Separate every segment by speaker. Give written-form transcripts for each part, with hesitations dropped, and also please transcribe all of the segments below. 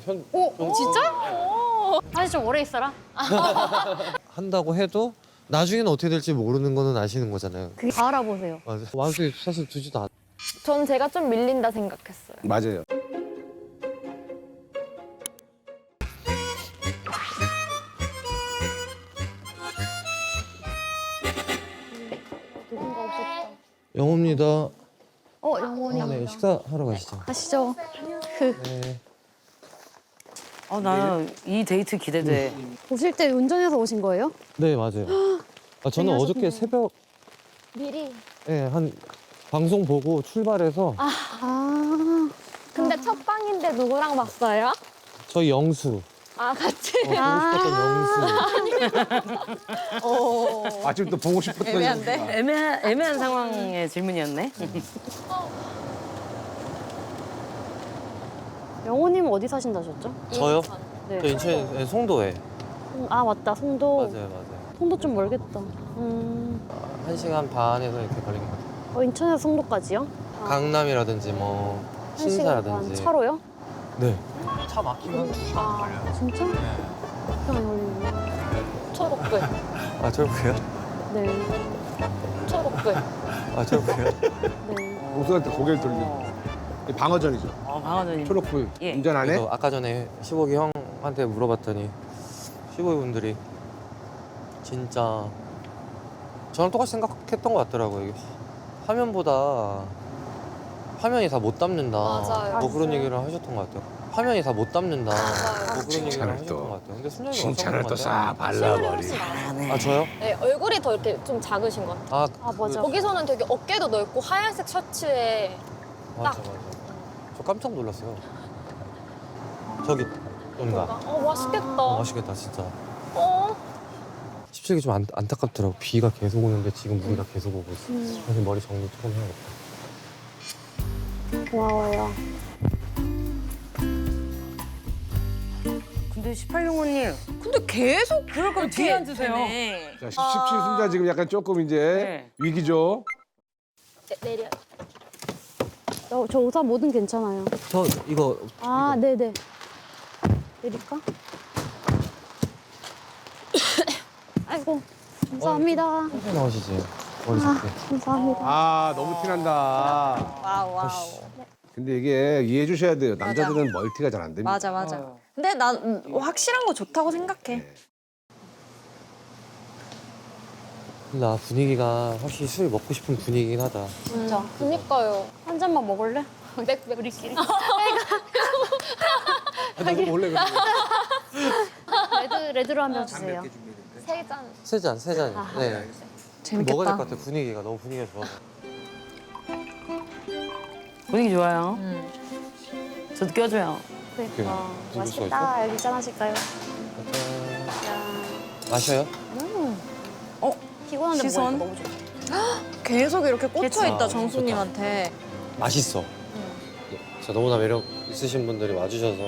Speaker 1: 오, 진짜? 사실 좀 오래 있어라.
Speaker 2: 한다고 해도 나중에는 어떻게 될지 모르는 거는 아시는 거잖아요.
Speaker 1: 다 알아보세요.
Speaker 2: 맞아. 마음속에 사실 두지도 않아.
Speaker 3: 전 제가 좀 밀린다 생각했어요.
Speaker 4: 맞아요.
Speaker 1: 누군가 없었다.
Speaker 2: 영호입니다.
Speaker 1: 영원히.
Speaker 2: 네, 식사하러 가시죠.
Speaker 1: 가시죠.
Speaker 2: 네.
Speaker 5: 나는 이 데이트 기대돼.
Speaker 1: 오실 때 운전해서 오신 거예요?
Speaker 2: 네, 맞아요. 저는 어저께 새벽
Speaker 3: 미리.
Speaker 2: 한 방송 보고 출발해서
Speaker 1: 아.
Speaker 3: 근데 첫 방인데 누구랑 봤어요?
Speaker 2: 저희 영수.
Speaker 3: 아, 같이?
Speaker 2: 보고 싶었던 영수.
Speaker 4: 아침부터 보고 싶었던
Speaker 3: 애매한데?
Speaker 5: 애매한 상황의 질문이었네.
Speaker 1: 영호님은 어디 사신다셨죠?
Speaker 2: 저요?
Speaker 1: 네.
Speaker 2: 저 인천 송도에.
Speaker 1: 아 맞다 송도.
Speaker 2: 맞아요.
Speaker 1: 송도 좀 멀겠다.
Speaker 2: 1시간 반에서 이렇게 걸린 것 같아요.
Speaker 1: 인천에서 송도까지요?
Speaker 2: 강남이라든지 뭐
Speaker 1: 1시간 반
Speaker 2: 신사라든지.
Speaker 1: 차로요?
Speaker 2: 네. 차 막히면 2시간 걸려요.
Speaker 1: 진짜?
Speaker 2: 네.
Speaker 1: 시간이 걸리네.
Speaker 3: 초록불.
Speaker 2: 아, 저렇게요?
Speaker 1: 네.
Speaker 3: 초록불.
Speaker 2: 아, 저렇게요?
Speaker 1: 네.
Speaker 4: 우수한테 고개를 돌리는 방어전이죠.
Speaker 5: 방어전이.
Speaker 4: 초록불
Speaker 5: 예.
Speaker 4: 운전 안 해?
Speaker 2: 그래서 아까 전에 15기 형한테 물어봤더니 15기 분들이 진짜 저랑 똑같이 생각했던 것 같더라고요. 이게 화면보다 화면이 다 못 담는다.
Speaker 3: 맞아요.
Speaker 2: 뭐 그런 얘기를 하셨던 것 같아요. 화면이 다 못 담는다. 뭐 그런 얘기를
Speaker 4: 칭찬을
Speaker 2: 하셨던
Speaker 4: 또.
Speaker 2: 것 같아요. 근데 순정이
Speaker 4: 칭찬을 또 싹 발라버리.
Speaker 2: 아, 저요?
Speaker 3: 네, 얼굴이 더 이렇게 좀 작으신 것 같아요.
Speaker 2: 아,
Speaker 1: 아 맞아.
Speaker 3: 거기서는 되게 어깨도 넓고 하얀색 셔츠에
Speaker 2: 맞아. 저 깜짝 놀랐어요. 저기 뭔가.
Speaker 3: 맛있겠다.
Speaker 2: 맛있겠다, 진짜.
Speaker 3: 어?
Speaker 2: 17기 좀 안타깝더라고. 비가 계속 오는데 지금 우리가 계속 오고 있어. 그래서 머리 정리 조금 해야겠다.
Speaker 1: 고마워요.
Speaker 5: 근데 18용호님
Speaker 3: 근데 계속
Speaker 5: 그럴 거면 뒤에 앉으세요.
Speaker 4: 자, 17 순자 지금 약간 조금 이제
Speaker 5: 네.
Speaker 4: 위기죠.
Speaker 3: 내려.
Speaker 1: 저 우산 뭐든 괜찮아요.
Speaker 2: 저 이거
Speaker 1: 아 네네. 내릴까? 아이고 감사합니다.
Speaker 2: 평소에 나오시지? 머리 색깔.
Speaker 1: 감사합니다.
Speaker 4: 아, 너무 티난다.
Speaker 3: 와우.
Speaker 4: 근데 이게 이해해 주셔야 돼요. 남자들은 멀티가 잘 안 됩니다.
Speaker 3: 맞아. 근데 난 확실한 거 좋다고 생각해.
Speaker 2: 나 분위기가 확실히 술 먹고 싶은 분위기긴 하다.
Speaker 1: 진짜.
Speaker 3: 그니까요.
Speaker 1: 한 잔만 먹을래?
Speaker 3: 우리끼리.
Speaker 2: 나도 원래
Speaker 1: 레드로 한 병 주세요.
Speaker 3: 세 잔.
Speaker 2: 세 잔.
Speaker 1: 아,
Speaker 2: 네.
Speaker 3: 재밌겠다.
Speaker 2: 먹어야 될 것 같아. 분위기가 너무 분위기가 좋아서.
Speaker 5: 분위기 좋아요. 저도 껴줘요.
Speaker 1: 그러니까
Speaker 2: 누구
Speaker 1: 맛있겠다. 여기 짠 하실까요?
Speaker 2: 짜잔. 마셔요?
Speaker 1: 피곤한데
Speaker 3: 시선?
Speaker 1: 먹으니까 너무 좋다.
Speaker 3: 계속 이렇게 꽂혀
Speaker 2: 그치?
Speaker 3: 있다
Speaker 2: 아,
Speaker 3: 정수님한테.
Speaker 2: 맛있어. 진짜 너무나 매력 있으신 분들이 와주셔서.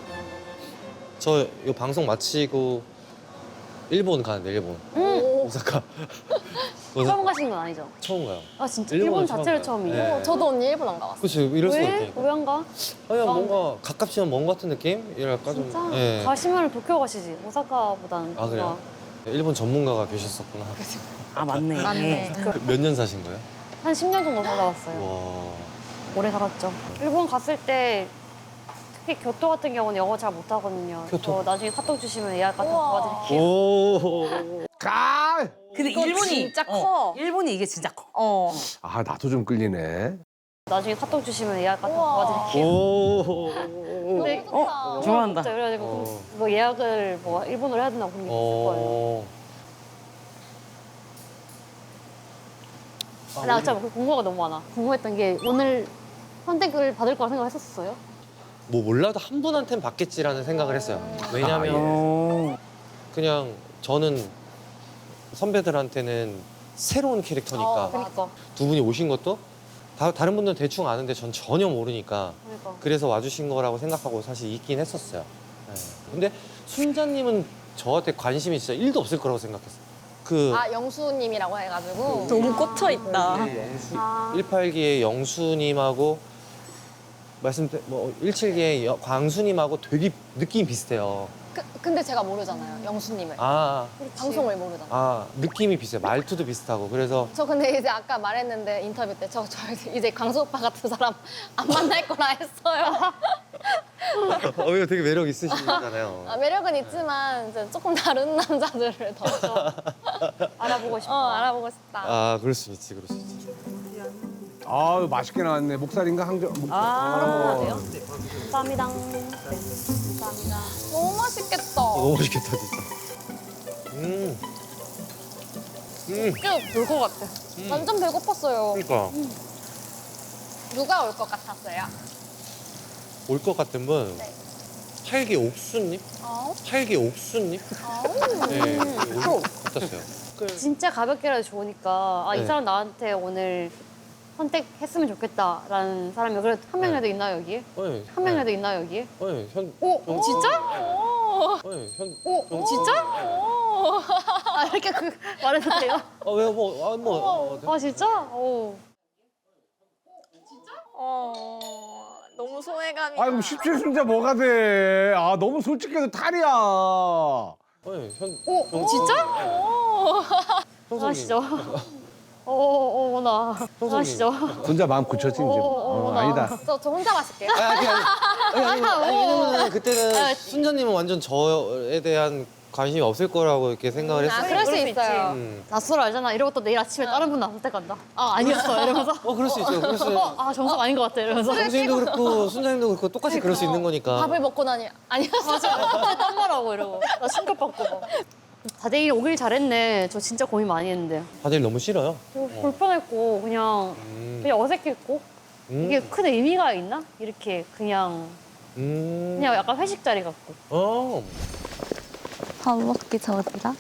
Speaker 2: 저 이 방송 마치고 일본 가는데 일본. 오사카.
Speaker 1: 처음 가신 건 아니죠?
Speaker 2: 처음 가요.
Speaker 1: 아 진짜
Speaker 2: 일본은
Speaker 1: 일본
Speaker 2: 처음
Speaker 1: 자체를
Speaker 2: 가요.
Speaker 1: 처음이에요?
Speaker 2: 네.
Speaker 3: 저도 언니 일본 안 가봤어.
Speaker 2: 그치, 이럴 수가
Speaker 1: 왜?
Speaker 2: 있다니까.
Speaker 1: 왜 안 가?
Speaker 2: 그냥 뭔가 가깝지만 먼 것 같은 느낌이랄까 좀.
Speaker 1: 진짜?
Speaker 2: 예.
Speaker 1: 가시면 도쿄 가시지. 오사카보다는.
Speaker 2: 아, 그래요? 일본 전문가가 계셨었구나.
Speaker 5: 아 맞네.
Speaker 3: 맞네.
Speaker 2: 몇 년 사신 거예요?
Speaker 1: 한 10년 정도 살다 왔어요.
Speaker 2: 와.
Speaker 1: 오래 살았죠. 일본 갔을 때 특히 교토 같은 경우는 영어 잘 못하거든요.
Speaker 2: 교토?
Speaker 1: 저 나중에 카톡 주시면 예약 같은 거
Speaker 3: 우와.
Speaker 1: 도와드릴게요.
Speaker 2: 오.
Speaker 4: 가!
Speaker 5: 근데
Speaker 3: 이거
Speaker 5: 일본이
Speaker 3: 진짜 커.
Speaker 5: 일본이 이게 진짜 커.
Speaker 4: 아, 나도 좀 끌리네.
Speaker 1: 나중에 카톡 주시면 예약 같은 거
Speaker 3: 우와.
Speaker 1: 도와드릴게요.
Speaker 2: 오.
Speaker 1: 근데
Speaker 3: 좋다.
Speaker 5: 좋아한다.
Speaker 1: 진짜 그래가지고
Speaker 2: 어.
Speaker 1: 뭐 예약을 뭐 일본어로 해야 된다고 그런 게 있을 거예요.
Speaker 2: 어.
Speaker 1: 나 진짜 궁금한 거 너무 많아. 궁금했던 게 오늘 선택을 받을 거라 생각했었어요?
Speaker 2: 뭐 몰라도 한 분한테는 받겠지라는 생각을 했어요. 왜냐면
Speaker 5: 어.
Speaker 2: 그냥 저는 선배들한테는 새로운 캐릭터니까
Speaker 1: 그러니까.
Speaker 2: 두 분이 오신 것도 다른 분들은 대충 아는데 전 전혀 모르니까
Speaker 1: 그러니까.
Speaker 2: 그래서 와주신 거라고 생각하고 사실 있긴 했었어요. 네. 근데 순자님은 저한테 관심이 진짜 1도 없을 거라고 생각했어요. 그
Speaker 3: 아 영수님이라고 해가지고 너무 꽂혀 있다.
Speaker 1: 아.
Speaker 2: 18기의 영수님하고 뭐 172의 광수님하고 되게 느낌이 비슷해요.
Speaker 1: 근데 제가 모르잖아요, 영수님을.
Speaker 2: 아,
Speaker 1: 방송을 모르잖아요.
Speaker 2: 느낌이 비슷해요. 말투도 비슷하고. 그래서
Speaker 1: 저 근데 이제 아까 말했는데 인터뷰 때 저 이제 광수 오빠 같은 사람 안 만날 거라 했어요.
Speaker 2: 이거 되게 매력 있으시잖아요.
Speaker 1: 아, 매력은 있지만 이제 조금 다른 남자들을 더 좀 알아보고 싶다. 알아보고 싶다.
Speaker 2: 아, 그럴 수 있지, 그럴 수 있지.
Speaker 4: 아 맛있게 나왔네. 목살인가 항정.
Speaker 1: 돼요? 감사합니다. 감사합니다. 너무 맛있겠다.
Speaker 2: 너무 맛있겠다, 진짜.
Speaker 1: 꽤 볼 것 같아. 완전 배고팠어요.
Speaker 2: 그러니까
Speaker 1: 누가 올 것 같았어요?
Speaker 2: 올 것 같은 분
Speaker 1: 네.
Speaker 2: 팔기 옥수님?
Speaker 1: 아우.
Speaker 2: 팔기 옥수님? 네, 올 것 같았어요.
Speaker 1: 진짜 가볍게라도 좋으니까 이
Speaker 2: 네.
Speaker 1: 사람 나한테 오늘 선택했으면 좋겠다라는 사람이 그래도 한 명이라도 있나요 여기에?
Speaker 2: 네,
Speaker 1: 한 명이라도 있나요 여기에?
Speaker 2: 네,
Speaker 1: 오 진짜? 오 진짜? 이렇게 말해도 돼요?
Speaker 2: 왜요? 뭐.
Speaker 1: 진짜? 오.
Speaker 3: 너무 소외감이.
Speaker 4: 아 그럼 17순자 뭐가 돼? 아 너무 솔직해서 탈이야.
Speaker 1: 오 진짜? 하시죠. 나 하시죠.
Speaker 4: 순자 마음 굳혔지 이제. 아니다.
Speaker 1: 저 혼자 마실게요.
Speaker 2: 아니, 왜냐면 그때는 순자님은 완전 저에 대한 관심이 없을 거라고 이렇게 생각을 했어요.
Speaker 1: 그럴 수 있어요. 낯설 알잖아. 이러고 또 내일 아침에 다른 분 나설 때 간다. 아니었어 이러면서.
Speaker 2: 그럴 수 있어요. 그럴 수 있어요.
Speaker 1: 정석 아닌 것 같아 이러면서.
Speaker 2: 정수님도 그렇고 순자님도 그렇고 똑같이 그럴 수 있는 거니까.
Speaker 1: 밥을 먹고 나니 아니었어. 맞아. 딴 말하고 이러고. 나 충격받고 막. 다들 오길 잘했네. 저 진짜 고민 많이 했는데.
Speaker 2: 다들 너무 싫어요.
Speaker 1: 불편했고 그냥 어색했고 이게 큰 의미가 있나? 이렇게 그냥 약간 회식 자리 같고.
Speaker 3: 밥 먹기 전이라.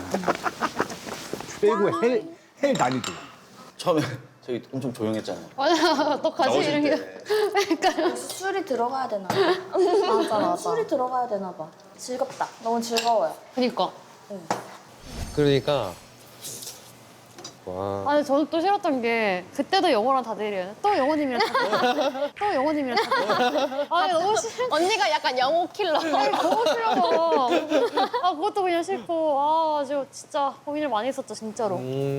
Speaker 4: 빼고 헬 다니고.
Speaker 6: 처음에 저희 엄청 조용했잖아요.
Speaker 1: 맞아. 똑같이 이런 게. 그러니까
Speaker 7: 술이 들어가야 되나 봐.
Speaker 1: 맞아.
Speaker 7: 술이 들어가야 되나 봐. 즐겁다. 너무 즐거워요.
Speaker 1: 그니까.
Speaker 2: 그러니까 와.
Speaker 1: 근데 저는 또 싫었던 게 그때도 영호랑 다들이에요. 또 영호님이랑 다들. 또 영호님이랑 다들. 너무 싫어. 언니가 약간 영호 킬러. 너무 싫어서. 그것도 그냥 싫고. 저 진짜 고민을 많이 했었죠, 진짜로.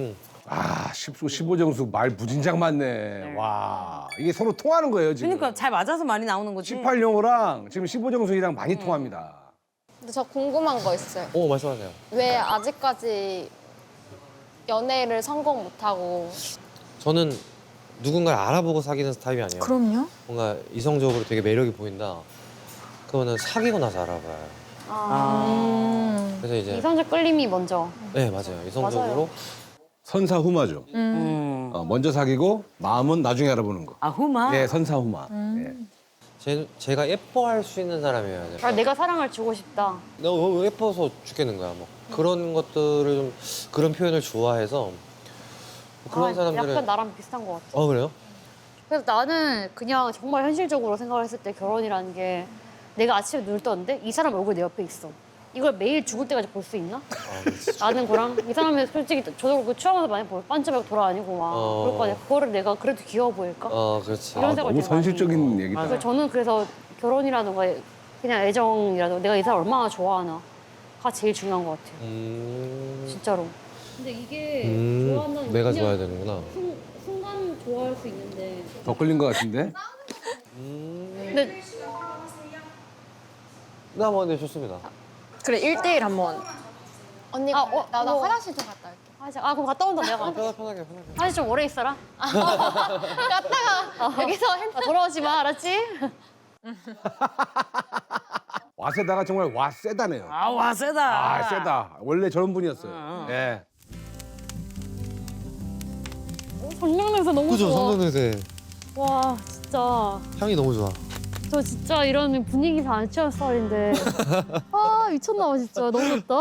Speaker 4: 15정수 말 무진장 많네. 와 이게 서로 통하는 거예요 지금.
Speaker 5: 그러니까 잘 맞아서 말이 나오는 거지.
Speaker 4: 18영호랑 지금 15정수이랑 많이 통합니다.
Speaker 1: 근데 저 궁금한 거 있어요.
Speaker 2: 말씀하세요.
Speaker 1: 왜 아직까지 연애를 성공 못하고.
Speaker 2: 저는 누군가를 알아보고 사귀는 타입이 아니에요.
Speaker 3: 그럼요.
Speaker 2: 뭔가 이성적으로 되게 매력이 보인다. 그러면 사귀고 나서 알아봐요. 그래서 이제
Speaker 1: 이성적 끌림이 먼저.
Speaker 2: 네, 맞아요. 이성적으로
Speaker 4: 선사후마죠. 먼저 사귀고 마음은 나중에 알아보는 거.
Speaker 5: 후마?
Speaker 4: 네, 선사후마. 예.
Speaker 2: 제가 예뻐할 수 있는 사람이어야 돼요.
Speaker 1: 내가 사랑을 주고 싶다.
Speaker 2: 너무 예뻐서 죽겠는 거야. 뭐 그런 것들을 좀 그런 표현을 좋아해서 그런 사람들은
Speaker 1: 약간 나랑 비슷한 것 같아.
Speaker 2: 그래요?
Speaker 1: 그래서 나는 그냥 정말 현실적으로 생각을 했을 때 결혼이라는 게 내가 아침에 눈을 떴는데 이 사람 얼굴이 내 옆에 있어. 이걸 매일 죽을 때까지 볼 수 있나? 나는 그랑 이 사람이 솔직히 저도 그 추하면서 많이 반짝하고 돌아다니고 막 그럴 거 아니야. 그거를 내가 그래도 귀여워 보일까?
Speaker 2: 그렇지.
Speaker 1: 이런 생각을
Speaker 4: 너무
Speaker 1: 되게 많이
Speaker 4: 현실적인 얘기다.
Speaker 1: 그래서 저는 그래서 결혼이라는 거에 그냥 애정이라도 내가 이 사람 얼마나 좋아하나가 제일 중요한 것 같아요. 진짜로. 근데 이게 좋아한다는
Speaker 2: 내가
Speaker 1: 그냥
Speaker 2: 좋아야 되는구나.
Speaker 1: 순간 좋아할 수 있는데.
Speaker 4: 더 끌린 것 같은데?
Speaker 1: 근데
Speaker 2: 네, 좋습니다.
Speaker 3: 그래 1대1 한번.
Speaker 1: 언니 나 화장실 좀 갔다 올게. 그럼 갔다 온다 내가.
Speaker 2: 편하게.
Speaker 1: 화장실 좀 오래 있어라. 갔다가 여기서 돌아오지 마, 알았지?
Speaker 4: 와세다가 정말 와 세다네요.
Speaker 5: 와 세다.
Speaker 4: 세다. 원래 저런 분이었어요. 예.
Speaker 1: 성냥냄새 너무
Speaker 2: 그죠,
Speaker 1: 좋아.
Speaker 2: 성형냄새.
Speaker 1: 와 진짜
Speaker 2: 향이 너무 좋아.
Speaker 1: 저 진짜 이런 분위기 잘 안 취한 스타일인데 미쳤나 봐 진짜 너무 좋다.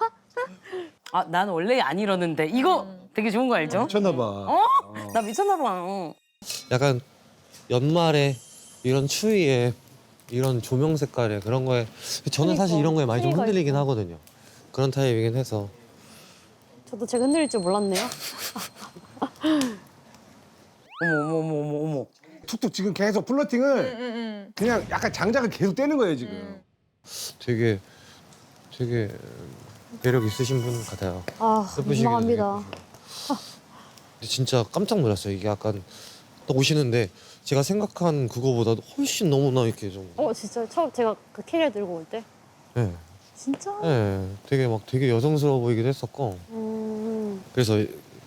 Speaker 5: 난 원래 안 이러는데 이거 되게 좋은 거 알죠?
Speaker 4: 미쳤나 봐.
Speaker 5: 나 미쳤나 봐.
Speaker 2: 약간 연말에 이런 추위에 이런 조명 색깔에 그런 거에 저는 사실 이런 거에 많이 좀
Speaker 1: 추위가
Speaker 2: 흔들리긴
Speaker 1: 있구나.
Speaker 2: 하거든요. 그런 타입이긴 해서.
Speaker 1: 저도 제가 흔들릴 줄 몰랐네요.
Speaker 5: 어머.
Speaker 4: 툭툭 지금 계속 플러팅을 그냥 약간 장작을 계속 떼는 거예요 지금.
Speaker 2: 되게 매력 있으신 분 같아요.
Speaker 1: 아,
Speaker 2: 예쁘시기도
Speaker 1: 민망합니다.
Speaker 2: 근데 진짜 깜짝 놀랐어요. 이게 약간 딱 오시는데 제가 생각한 그거보다 훨씬 너무나 이렇게 좀.
Speaker 1: 진짜 처음 제가 그 캐리어 들고 올 때.
Speaker 2: 네.
Speaker 1: 진짜?
Speaker 2: 네. 되게 여성스러워 보이기도 했었고. 그래서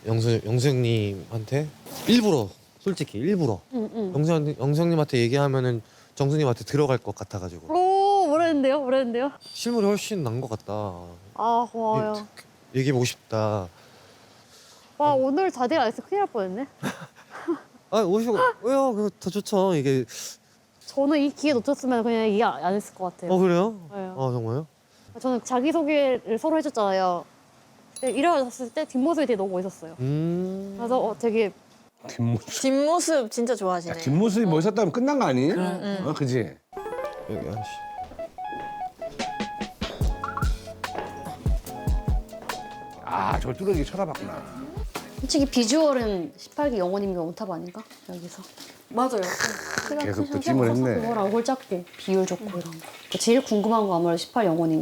Speaker 2: 영수님한테 일부러 솔직히 일부러 영수님한테 얘기하면은 정수님한테 들어갈 것 같아가지고
Speaker 1: 오, 뭐랬는데요?
Speaker 2: 실물이 훨씬 난 것 같다.
Speaker 1: 아, 고마워요.
Speaker 2: 얘기해보고 싶다.
Speaker 1: 와, 오늘 자대가 안 했어 큰일 날 뻔했네.
Speaker 2: 아 오시고 왜요? 그거 더 좋죠. 이게
Speaker 1: 저는 이 기회 놓쳤으면 그냥 얘기 안 했을 것 같아요.
Speaker 2: 그래요?
Speaker 1: 네.
Speaker 2: 아 정말요?
Speaker 1: 저는 자기소개를 서로 해줬잖아요. 근데 일어났을 때 뒷모습이 되게 너무 멋있었어요. 그래서 되게
Speaker 3: 뒷모습 진짜 좋아하시네.
Speaker 4: 뒷모습이 멋있었다면 끝난 거 아니? 그지?
Speaker 2: 여기 아저씨.
Speaker 4: 아, 저 뚜렷이 쳐다봤구나.
Speaker 1: 솔직히 비주얼은 18기 영원님이 원탑 아닌가? 여기서.
Speaker 3: 맞아요.
Speaker 4: 계속 또 찜을 했네.
Speaker 1: 그거랑 얼굴 작게 비율 좋고 이런 거. 제일 궁금한 거 아무래도 18 영원님.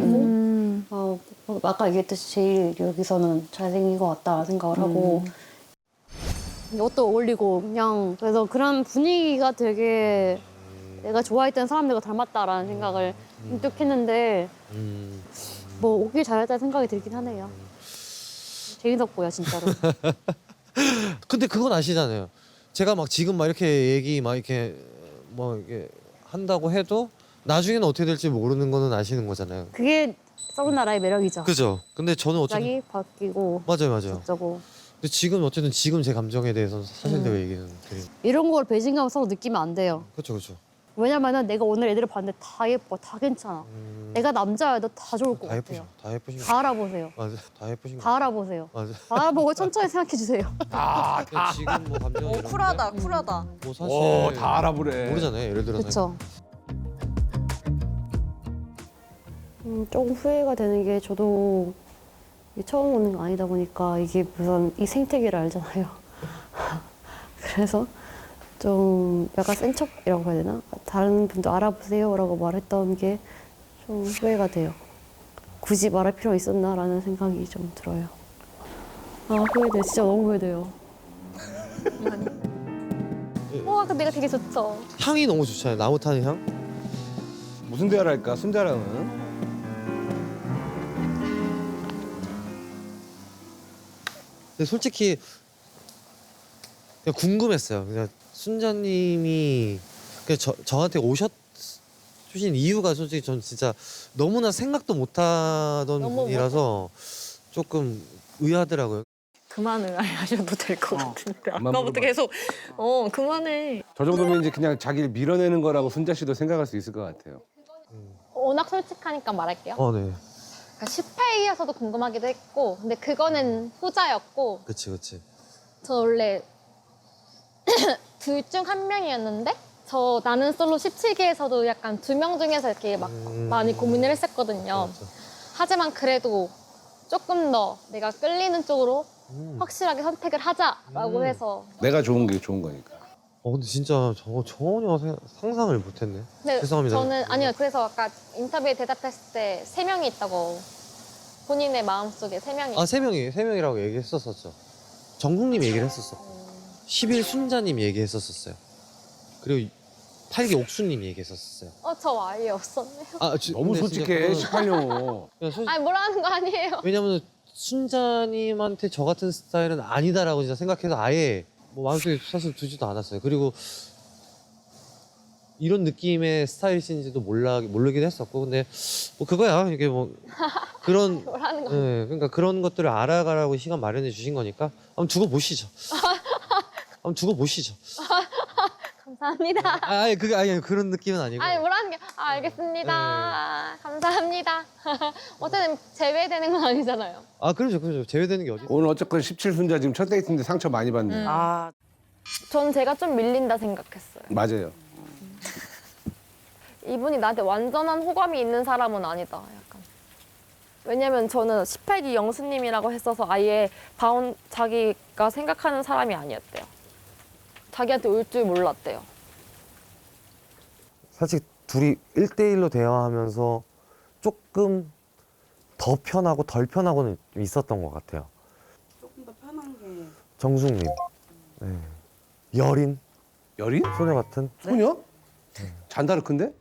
Speaker 1: 아까 얘기했듯이 제일 여기서는 잘생긴 것 같다 생각을 하고 옷도 어울리고 그냥 그래서 그런 분위기가 되게 내가 좋아했던 사람들과 닮았다라는 생각을 문득 했는데 뭐 오길 잘했다는 생각이 들긴 하네요. 재밌었고요 진짜로.
Speaker 2: 근데 그건 아시잖아요. 제가 막 지금 막 이렇게 얘기 막 이렇게 뭐 이게 한다고 해도 나중에는 어떻게 될지 모르는 거는 아시는 거잖아요.
Speaker 1: 그게 썩은 나라의 매력이죠.
Speaker 2: 그죠? 근데 저는 어쨌든
Speaker 1: 갑자기 바뀌고
Speaker 2: 맞아요.
Speaker 1: 어쩌고
Speaker 2: 근데 지금 어쨌든 지금 제 감정에 대해서는 사실 내가 얘기는 드리는.
Speaker 1: 이런 걸 배신감 서로 느끼면 안 돼요.
Speaker 2: 그렇죠.
Speaker 1: 왜냐면은 내가 오늘 애들을 봤는데 다 예뻐, 다 괜찮아. 내가 남자여도 다 좋을 것
Speaker 2: 다
Speaker 1: 같아요.
Speaker 2: 예쁘신 다 예쁘신 거.
Speaker 1: 다 알아보세요.
Speaker 2: 맞아. 다 예쁘신 거.
Speaker 1: 다 알아보세요.
Speaker 2: 맞아.
Speaker 1: 다 알아보고 천천히 생각해 주세요.
Speaker 2: 근데 지금 뭐 감정 이런
Speaker 3: 쿨하다, 쿨하다.
Speaker 2: 뭐 사실
Speaker 4: 오, 다 알아보래.
Speaker 2: 모르잖아요. 예를 들어서
Speaker 1: 그렇죠. 조금 후회가 되는 게 저도 이게 처음 오는 거 아니다 보니까 이게 무슨 이 생태계를 알잖아요. 그래서 좀 약간 센 척이라고 해야 되나? 다른 분도 알아보세요라고 말했던 게 좀 후회가 돼요. 굳이 말할 필요 있었나라는 생각이 좀 들어요. 아, 후회돼. 진짜 너무 후회돼요. 와, 근데 내가 되게 좋죠.
Speaker 2: 향이 너무 좋잖아요. 나무 타는 향.
Speaker 4: 무슨 대화를 할까? 순자랑은?
Speaker 2: 근데 솔직히 그냥 궁금했어요. 그냥 순자님이 그냥 저한테 오신 이유가 솔직히 전 진짜 너무나 생각도 못하던
Speaker 3: 너무
Speaker 2: 분이라서 조금 의아하더라고요.
Speaker 3: 그만을 하셔도 될 것 같은데.
Speaker 4: 그만
Speaker 3: 아까부터
Speaker 4: 물어봐.
Speaker 3: 계속 그만해.
Speaker 4: 저 정도면 이제 그냥 자기를 밀어내는 거라고 순자 씨도 생각할 수 있을 것 같아요.
Speaker 7: 워낙 솔직하니까 말할게요.
Speaker 2: 네.
Speaker 7: 그러니까 18기여서도 궁금하기도 했고, 근데 그거는 후자였고,
Speaker 2: 그치.
Speaker 7: 저 원래 둘 중 한 명이었는데, 나는 솔로 17기에서도 약간 2명 중에서 이렇게 막 많이 고민을 했었거든요.
Speaker 2: 맞아.
Speaker 7: 하지만 그래도 조금 더 내가 끌리는 쪽으로 확실하게 선택을 하자라고 해서.
Speaker 4: 내가 좋은 게 좋은 거니까.
Speaker 2: 근데 진짜 전혀 상상을 못했네.
Speaker 7: 근데
Speaker 2: 죄송합니다.
Speaker 7: 저는 아니요. 그래서 아까 인터뷰에 대답했을 때 3명이 있다고 본인의 마음속에 3명이.
Speaker 2: 아, 세 명이라고 얘기했었었죠. 정국님 얘기를 했었어. 11 순자님 얘기했었었어요. 그리고 8기 옥수님 얘기했었어요.
Speaker 7: 저 아예 없었네요.
Speaker 4: 너무
Speaker 2: 근데
Speaker 4: 솔직해,
Speaker 2: 진짜
Speaker 4: 18년.
Speaker 2: 그건
Speaker 7: 아니 뭐라는 거 아니에요.
Speaker 2: 왜냐면 순자님한테 저 같은 스타일은 아니다라고 진짜 생각해서 아예 뭐 마음속에 사실 두지도 않았어요. 그리고 이런 느낌의 스타일이신지도 모르긴 했었고, 근데 뭐 그거야. 이게 뭐 그런
Speaker 7: 뭐라는 거.
Speaker 2: 네, 그러니까 그런 것들을 알아가라고 시간 마련해 주신 거니까 한번 두고 보시죠. 한번 두고 보시죠.
Speaker 7: 감사합니다.
Speaker 2: 아니 그게 아니 그런 느낌은 아니고.
Speaker 7: 아니 뭐라는 게. 알겠습니다. 감사합니다. 어쨌든 제외되는 건 아니잖아요.
Speaker 2: 아 그렇죠. 제외되는 게 어디?
Speaker 4: 오늘 어쨌건 17순자 지금 첫 데이트인데 상처 많이 받네.
Speaker 5: 아,
Speaker 7: 전 제가 좀 밀린다 생각했어요.
Speaker 4: 맞아요.
Speaker 7: 이분이 나한테 완전한 호감이 있는 사람은 아니다. 약간. 왜냐면 저는 18기 영수님이라고 했어서 아예 자기가 생각하는 사람이 아니었대요.
Speaker 3: 자기한테 올 줄 몰랐대요.
Speaker 2: 사실 둘이 1대1로 대화하면서 조금 더 편하고 덜 편하고는 있었던 것 같아요.
Speaker 8: 조금 더 편한 게
Speaker 2: 정숙님. 네. 여린
Speaker 4: 여린?
Speaker 2: 소녀 같은.
Speaker 4: 소녀? 잔다르크인데?